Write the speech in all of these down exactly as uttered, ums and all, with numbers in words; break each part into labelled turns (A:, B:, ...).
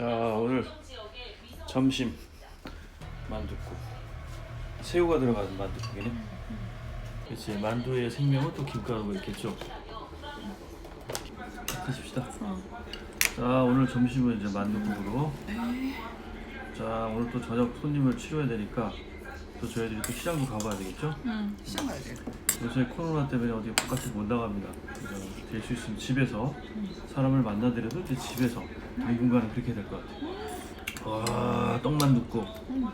A: 자, 오늘 점심 만둣국. 새우가 들어가는 만둣국이네. 그렇지. 만두의 생명은 또 김가루가 있겠죠. 드십시다. 자, 오늘 점심은 이제 만둣국으로. 자, 오늘 또 저녁 손님을 치료해야 되니까 또 저희들이 또 시장도 가봐야 되겠죠?
B: 응, 시장 가야 돼.
A: 요새 코로나 때문에 어디 바깥에 못 나갑니다. 될 수 있으면 집에서 사람을 만나더라도 이제 집에서 당분간은 그렇게 될 것 같아요. 와, 떡만둣국.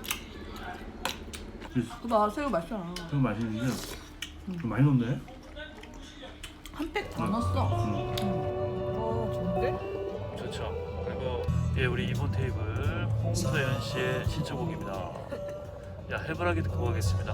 B: 나 새우 맛있잖아.
A: 좀 맛있는데 좀 많이 넣네.
B: 한 팩 더 넣었어.
A: 응.
B: 어, 좋은데?
A: 좋죠. 그리고 예, 우리 이번 테이블 홍서연 씨의 신청곡입니다. 야, 해바라기 듣고 가겠습니다.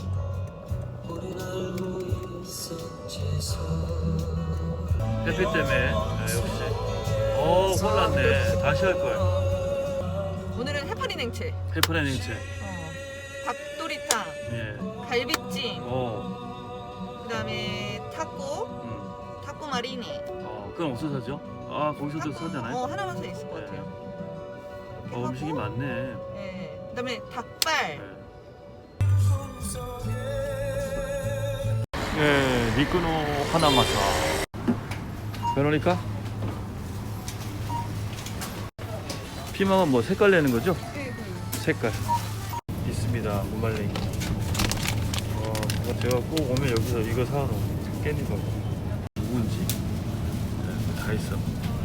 A: 햇빛 때문에 네, 역시 어 혼났네. 다시 할걸.
B: 오늘은 해파리 냉채,
A: 페퍼네 냉채.
B: 어, 닭도리탕,
A: 예.
B: 갈비찜,
A: 어.
B: 그다음에 타코,
A: 음.
B: 타코 마리니.
A: 어, 그건 어디서 사죠? 아, 거기서도 사잖아요.
B: 어, 하나만 더 있을 것
A: 네.
B: 같아요.
A: 어, 음식이 많네.
B: 네. 그다음에 닭발.
A: 네. 네, 미끄노 하나마사. 베로니카? 피망은 뭐 색깔 내는 거죠? 색깔 있습니다. 무말랭이. 어, 제가- 제가 꼭 오면 여기서 이거 사러 깻잎 먹고 누군지 네, 다 있어.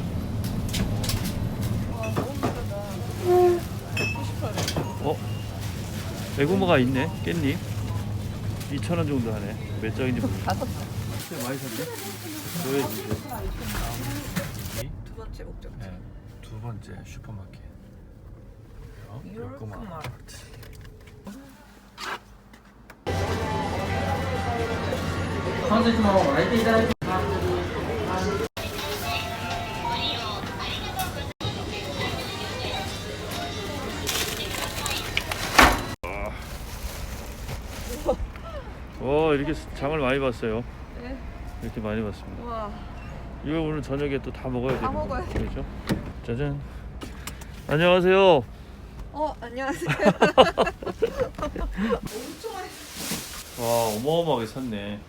B: 와, 너무 비싸다.
A: 어? 애고마가 있네. 깻잎 이천 원 정도 하네. 몇 장인지 모르겠어.
B: 다섯
A: 많이 샀네. 줘야지 이제.
B: 두 번째 목적지.
A: 네, 두 번째 슈퍼마켓. 어, 요코마 아파트. 와, 이렇게 장을 많이 봤어요.
B: 네.
A: 이렇게 많이 봤습니다.
B: 와,
A: 이거 오늘 저녁에 또 다 먹어야
B: 다
A: 되는
B: 먹어야
A: 거죠? 그렇죠? 짜잔. 안녕하세요.
B: 어, 안녕하세요. 엄청 많이.
A: 와, 어마어마하게 샀네.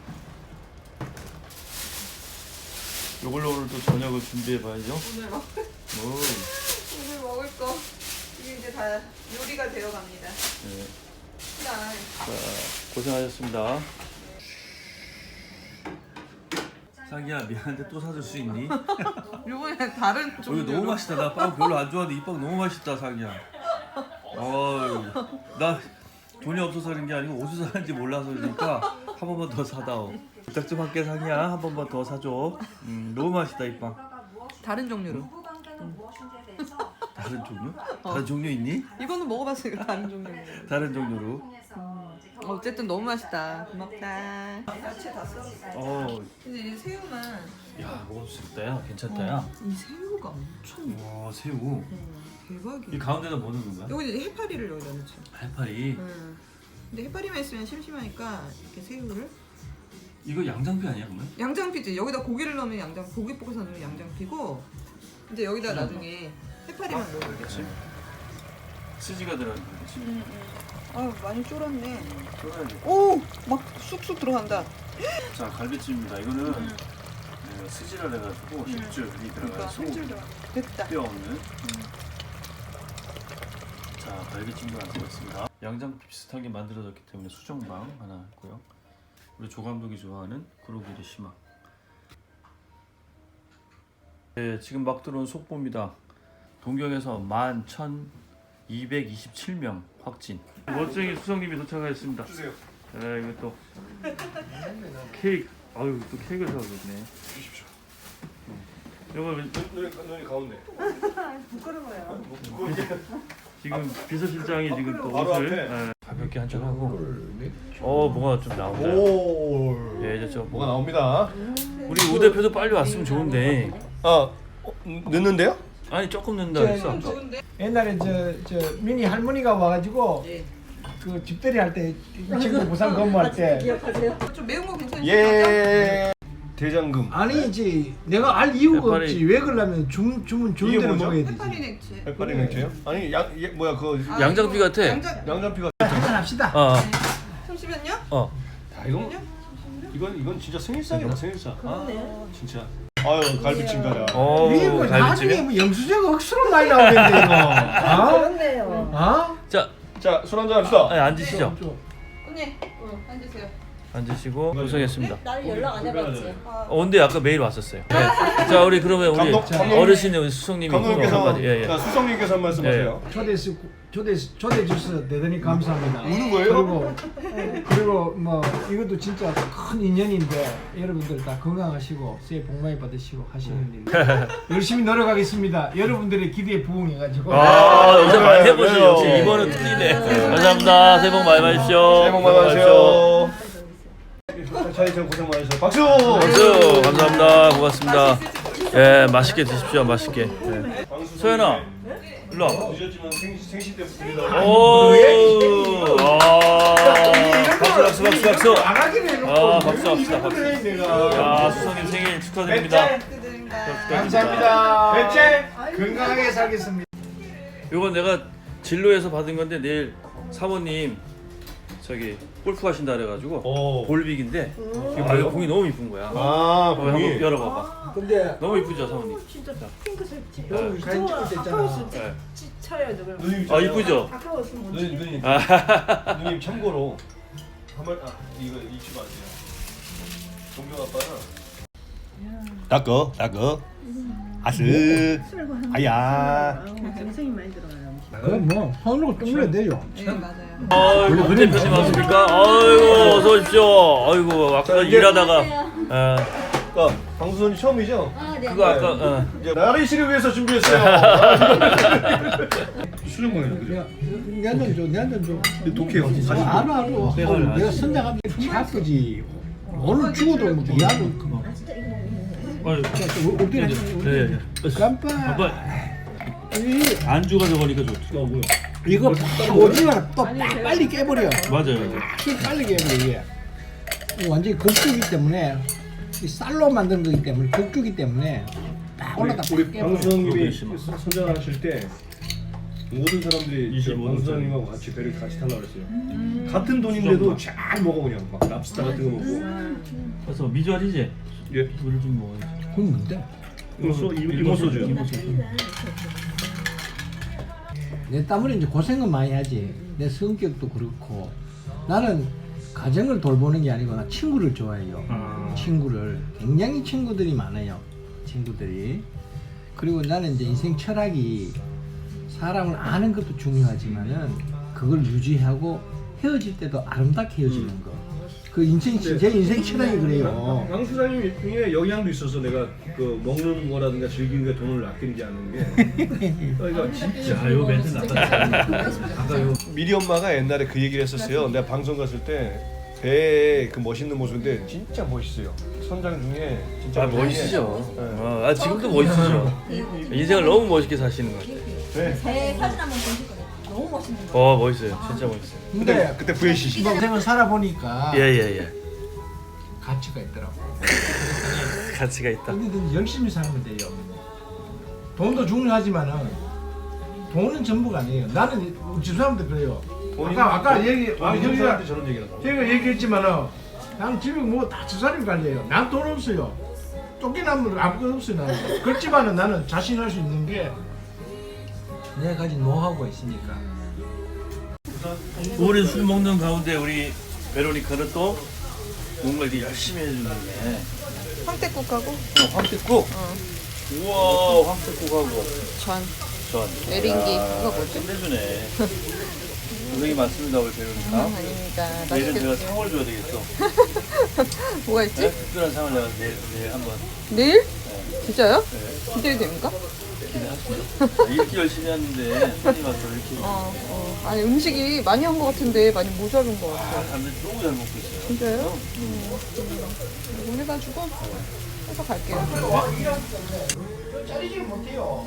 A: 이걸로 오늘 또 저녁을 준비해 봐야죠.
B: 오늘 먹
A: 오,
B: 오늘 먹을 거 이게 이제 다 요리가 되어 갑니다.
A: 네.
B: 자,
A: 자, 고생하셨습니다. 자기야, 미안한데 또 사줄 수 있니?
B: 요번에 다른
A: 어, 이거
B: 종류로.
A: 너무 맛있다. 나 빵 별로 안 좋아하는데 이 빵 너무 맛있다, 자기야. 어이, 나 돈이 없어서 그런 게 아니고 어디서 사는지 몰라서 그러니까 한 번만 더 사다오. 부탁 좀 할게, 자기야. 한 번만 더 사줘. 음, 너무 맛있다, 이 빵.
B: 다른 종류로.
A: 다른 종류? 다른 종류 있니?
B: 이거는 먹어봤으니까 다른 종류로.
A: 다른 종류로.
B: 어쨌든 너무 맛있다. 고맙다. 야채 다 써.
A: 어,
B: 근데 이 새우만.
A: 야, 먹을 수 있다, 야. 괜찮다, 야.
B: 이 새우가 엄청.
A: 와, 새우.
B: 음, 대박이야.
A: 이 가운데다 뭐 넣는 거야?
B: 여기 이제 해파리를 여기다 넣지.
A: 해파리.
B: 음. 근데 해파리만 있으면 심심하니까 이렇게 새우를.
A: 이거 양장피 아니야, 그러면?
B: 양장피지. 여기다 고기를 넣으면 양장, 고기 볶아서 넣으면 양장피고. 이제 여기다
A: 그냥
B: 나중에 해파리만 넣으면
A: 그렇지. 스지가 들어가는 거지.
B: 음, 음. 아 많이 쫄았네.
A: 쫄아야지.
B: 오, 막 쑥쑥 들어간다.
A: 자, 갈비찜입니다. 이거는
B: 음.
A: 네, 스지를 해가지고 식줄이
B: 그러니까
A: 들어가요. 소고기
B: 한줄 들어. 됐다.
A: 뼈 없는. 자, 갈비찜도 만들었습니다. 양장피 비슷하게 만들어졌기 때문에 수정방 하나 있고요. 우리 조 감독이 좋아하는 구로기리 시막. 네, 지금 막 들어온 속보입니다. 동경에서 만 천이백이십칠 명 확진. 멋쟁이 수성님이 도착하였습니다.
C: 주세요.
A: 네, 이거 또 케이크. 아유, 또 케이크를 사오셨네.
C: 주십시오.
A: 이거
C: 눈이, 눈이 가운데.
B: 부끄러워요.
A: 지금 비서실장이 지금 또
C: 바로
A: 옷을
C: 앞에.
A: 네, 가볍게 한잔 하고. 어, 뭐가 좀 나온다.
C: 오.
A: 예, 이제 저
C: 뭐가 나옵니다.
A: 우리 우 대표도 빨리 왔으면 좋은데.
C: 아, 어, 넣는데요?
A: 아니, 조금 넣는다
D: 저,
A: 했어. 아까.
B: 좋은데?
D: 옛날에 저, 저 미니 할머니가 와가지고
B: 예.
D: 그 집들이 할 때 이 친구 부산 근무할 때
B: 좀 매운 거 괜찮으세요?
C: 예. 대장금.
D: 아니지 내가 알 이유가
A: 해파리.
D: 없지. 왜 그러려면 주, 주문 주는
C: 이게
D: 대로
C: 뭐죠?
D: 먹어야 되지.
B: 해파리 냉채.
C: 백발이 냉채요? 아니 양 얘, 뭐야 그거
B: 아,
A: 양장피
B: 이거
A: 같아.
B: 양장.
C: 양장피가.
D: 한잔 합시다.
A: 어,
B: 잠시만요.
A: 어.
C: 야 이건 이건 이건 진짜 생일상이다 생일상. 아 진짜. 아유 갈비찜 가자.
A: 어,
D: 이게 뭐 나중에
A: 갈비찜이야?
D: 뭐 영수증 억수로 많이 나오겠네 이거. 어?
E: 그렇네요.
D: 어?
A: 자,
C: 자 술 한잔 합시다.
A: 아니, 앉으시죠.
B: 언니, 앉으세요.
A: 앉으시고 구성했습니다.
E: 나는 연락 안 해봤지.
B: 아,
A: 어, 근데 아까 메일 왔었어요. 네. 자, 우리 그러면 우리
C: 감독, 감독님.
A: 어르신의 우리 수성님이
C: 감독님께서
A: 한마디. 예, 예.
C: 자, 수성님께서 한 말씀하세요.
D: 초대 수 초대 초대 주셔서 대단히 감사합니다.
C: 우는 거예요?
D: 그리고 그리고 뭐 이것도 진짜 큰 인연인데 여러분들 다 건강하시고 새해 복 많이 받으시고 하시는 일 열심히 노력하겠습니다. 여러분들의 기대에 부응해가지고.
A: 아, 요새 많이 해보시
C: 왜요?
A: 역시 이번은 틀리네. 감사합니다. 새해 복 많이 받으십시오.
C: 새해 복 많이 받으세요. 차이천 고생 많으셨어요. 박수.
A: 박수. 감사합니다. 고맙습니다. 예, 맛있게 드십시오. 맛있게. 예. 소연아, 일로 와.
C: 늦었지만 생시 생시 때부터 드리다.
A: 오, 아, 박수, 박수, 박수, 박수.
D: 안 하기로 해놓고
A: 아, 박수 합시다, 박수.
D: 그래, 내가.
A: 야, 수성님 생일 축하드립니다.
B: 드립니다.
D: 감사합니다. 배째 건강하게 살겠습니다.
A: 이건 내가 진로에서 받은 건데 내일 사모님 저기 골프 가신다 그래가지고
C: 오.
A: 볼빅인데 아, 이거 공이 너무 이쁜 거야.
C: 아
A: 어, 한번
C: 공이.
A: 열어봐봐.
D: 근데
A: 너무 이쁘죠, 사모님?
E: 진짜 핑크색지.
D: 여기 사진 찍을 때 있잖아.
E: 아까웠으면
A: 네.
E: 쳐야 돼. 그럼.
C: 누님
A: 아, 이쁘죠?
E: 아까웠으면 못
C: 누님
E: 치겠다.
C: 누님
A: 아,
C: 누님 참고로 한번 아 이거 잊지 마세요. 동경 아빠는 닦어 닦어 아스 아야.
E: 정성이 많이 들어가요.
D: 그럼 뭐 손으로 뚫으면 돼요.
B: 네, 맞아요.
A: 아이고, 문 대표님 왔습니까? 아이고, 어서 오십시오. 아이고, 아까
C: 자, 이제-
A: 일하다가 어,
C: 그러니까 방수선이 처음이죠?
E: 아, 네.
A: 그거 아까 어.
C: 이제 나를 씨를 위해서 준비했어요. 수능 먹는
D: 야, 내한잔 줘, 내한잔 줘.
C: 독해요.
D: 어, 알아, 알아. 어, 내가 선장하면 아프지. 오늘 죽어도 뭐 미안해. 그만.
A: 아유,
D: 자, 저, 올 때는
A: 네, 네.
D: 깜빡.
A: 아빠
D: 이,
A: 안주가 저거니까 좋죠.
D: 이거 팍 오지마 또 팍 빨리 깨버려.
A: 맞아요.
D: 팍 빨리 깨버려 이게. 이거 완전히 곡주기 때문에 이 쌀로 만든 거기 때문에 곡주기 때문에 딱 올라다 팍
C: 우리
D: 깨버려.
C: 방수선님이
A: 그거
C: 선장하실 때 모든 사람들이
A: 이십오 분
C: 방수선님하고 같이 배를 같이 타려고 그랬어요. 같은 돈인데도 잘 먹어 그냥 막 랍스타 같은 거 먹고.
A: 그래서 미주알이지?
C: 예.
A: 물을 좀 먹어야지.
D: 그건 뭔데?
C: 이모 이모 소주.
A: 이모 소주.
D: 내 땀으로 이제 고생은 많이 하지. 내 성격도 그렇고 나는 가정을 돌보는 게 아니고 나 친구를 좋아해요.
A: 아.
D: 친구를 굉장히 친구들이 많아요. 친구들이. 그리고 나는 이제 인생 철학이 사람을 아는 것도 중요하지만은 그걸 유지하고 헤어질 때도 아름답게 헤어지는 거. 그 인생 제 인생 철학이 그래요.
C: 방수사님 중에 영향도 있어서 내가 그 먹는 거라든가 즐기는 게 돈을 아끼지 않는 게. 그러니까 진짜.
A: 야, 요 멘트 나갔다. 아까 요
C: 미리 엄마가 옛날에 그 얘기를 했었어요. 내가 방송 갔을 때 배에 그 멋있는 모습인데 진짜 멋있어요. 선장 중에 진짜
A: 아, 멋있으죠.
C: 네.
A: 어, 아, 지금도 멋있으죠. 인생을 너무 멋있게 사시는 것 같아요.
C: 네.
E: 제 사진 한번 보실 거예요. 너무 멋있는 거.
A: 어, 멋있어요. 진짜 멋있어요.
D: 근데
C: 그때 브이씨씨.
D: 인생을 살아보니까
A: 예, 예, 예.
D: 가치가 있더라고.
A: 가치가 있다.
D: 어디든 열심히 살면 돼요. 돈도 중요하지만은 돈은 전부가 아니에요. 나는 집 사람들 그래요. 아까 아까 얘기 아
C: 형이
D: 형이가
C: 사람한테 저런 얘기를 한다.
D: 제가 얘기했지만은 나는 집에 뭐 다 집사람이 관리해요. 난 돈 없어요. 쫓겨나면 아무것도 없어요. 나는. 그렇지만은 나는 자신할 수 있는 게 내가 가진 노하우가 있으니까.
A: 오랜 술 먹는 가운데 우리 베로니카는 또 뭔가 이렇게 열심히 해주는데
B: 황태국하고
A: 어, 황태국? 우와, 황태국하고
B: 전,
A: 전
B: 에린기
A: 야,
B: 그거 뭐지?
A: 끝내주네. 고생이 많습니다 우리 베로니카.
B: 아닙니다.
A: 내일은 제가
B: 맛있겠다.
A: 상을 줘야 되겠어.
B: 뭐가 있지?
A: 네? 특별한 상을 내가 내일, 내일 한번
B: 내일?
A: 네,
B: 진짜요?
A: 네,
B: 기대이 됩니까?
A: 기대하십니다. 이렇게 열심히 하는데 손님 와서 이렇게
B: 어, 어. 아니 음식이 많이 한 것 같은데 많이 모자른 것
A: 아,
B: 같아요.
A: 사람들이 너무 잘 먹고 있어요.
B: 진짜요? 음. 이거 해가지고 해서 갈게요.
D: 짜리지 못해요.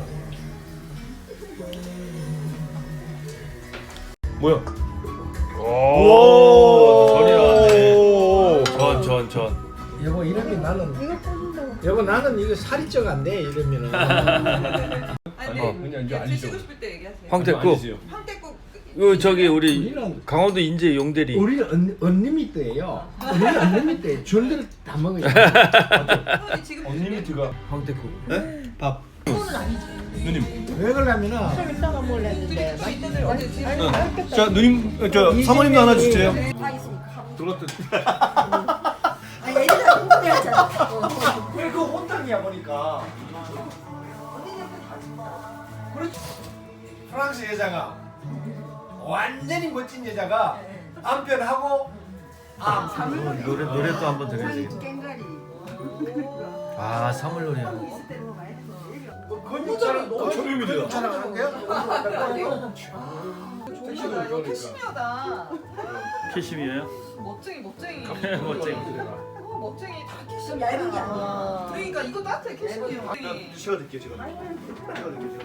C: 뭐야?
A: 오, 전이 나왔네. 전, 전, 전.
D: 여보 이런 게 나. 나는
E: 이거 뽑는다고.
D: 여보 나는 이거 살이 쪄 안 돼 이러면은
B: 아니
C: 어,
B: 근데
C: 그냥 이제
B: 예,
C: 아니죠.
B: 드시고 싶을 때 얘기하세요.
A: 황태국.
C: 아니지요.
B: 황태국
A: 요 저기 우리
D: 우리는
A: 강원도 인제 용대리.
D: 우리는 언, 언리미트예요. 우리는 언리미트 줄들 다 먹어요.
B: 형이 지금
C: 언리미트가
A: 황태국.
C: 밥.
E: 그거는 아니지.
C: 누님.
D: 왜 그러냐면은
E: 좀 이따가 먹으려 했는데.
B: 또 이때들 어제 지금
C: 자 누님 어, 저 사모님도 하나 주세요.
E: 다 있으니까.
C: 들었던.
E: 아니 애들아 궁금해하잖아.
D: 왜 그 혼탕이야 보니까. 그렇지. 프랑스 여자가 완전히 멋진 여자가 남편하고 아
A: 노래 노래 또 한번 들려야지.
E: 깽가리.
A: 아 사물놀이야.
D: 건조차랑
C: 어, 초면입니다.
D: 하는 거야?
B: 좋다. 이거 캐시미어다.
A: 캐시미어요?
B: 멋쟁이 멋쟁이.
A: 멋쟁이.
B: 어, 멋쟁이 다
E: 좀
B: 캐시미어.
E: 얇은 게 아니야.
B: 그러니까 이거 따뜻해 캐시미어.
C: 시가 드릴게요 제가. 시가 드릴게요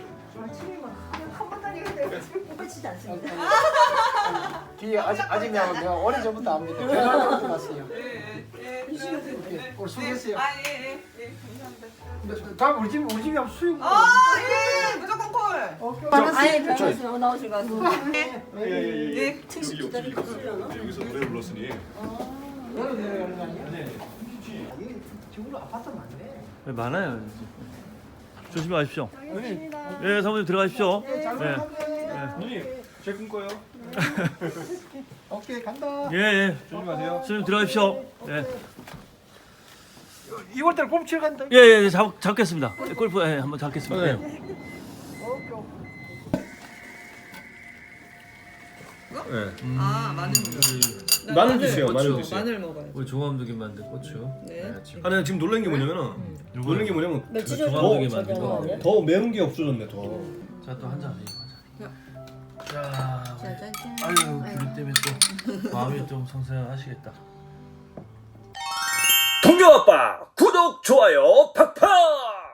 E: 뽑히지 않습니다.
D: 뒤에 아직 아직 내가 내가 오래 전부터 압니다. 결혼할 때부터 봤어요.
B: 예예 예.
D: 오늘 수고했어요.
B: 아예예 예. 감사합니다.
D: 다 우리 집 우리 집이 앞 수육.
B: 아예 무조건 콜.
E: 아니 변호사 나오실 것 같습니다.
C: 예예예.
B: 예.
E: 특수 기다리고 있으려나?
C: 여기서 노래 불렀으니.
D: 너는 내려가는 거 아니야? 네. 이게 집으로 아파트 많네.
A: 네, 많아요. 조심하십시오.
E: 알겠습니다.
A: 예, 사모님 들어가십시오.
D: 네, 잘
A: 예.
D: 먹었네.
C: 누님 제 꿈꿔요.
D: 오케이 간다.
A: 예, 예.
C: 조심하세요.
A: 선생님 들어가십시오. 예.
D: 이월 달 꼼칠 간다.
A: 예, 예, 잡, 잡겠습니다. 예, 골프 예, 한번 잡겠습니다. 예.
D: 오케이.
C: 네.
B: 아 마늘. 나
C: 마늘 드세요, 마늘
B: 고추,
C: 드세요.
B: 마늘 먹어요.
A: 우리 종암두기 만든 고추.
B: 네.
C: 아 내가 지금 놀란 게 뭐냐면은 놀란 게 뭐냐면
E: 며칠
A: 저
E: 전에
A: 종합되게
E: 저기
A: 만든 거.
E: 아니야?
C: 더 매운 게 없어졌네 더.
A: 자, 또 한 잔 하자. 자,
E: 짜잔.
A: 아유, 귤 때문에 또 마음이 좀 성생하시겠다. 동경 아빠 구독 좋아요 팍팍.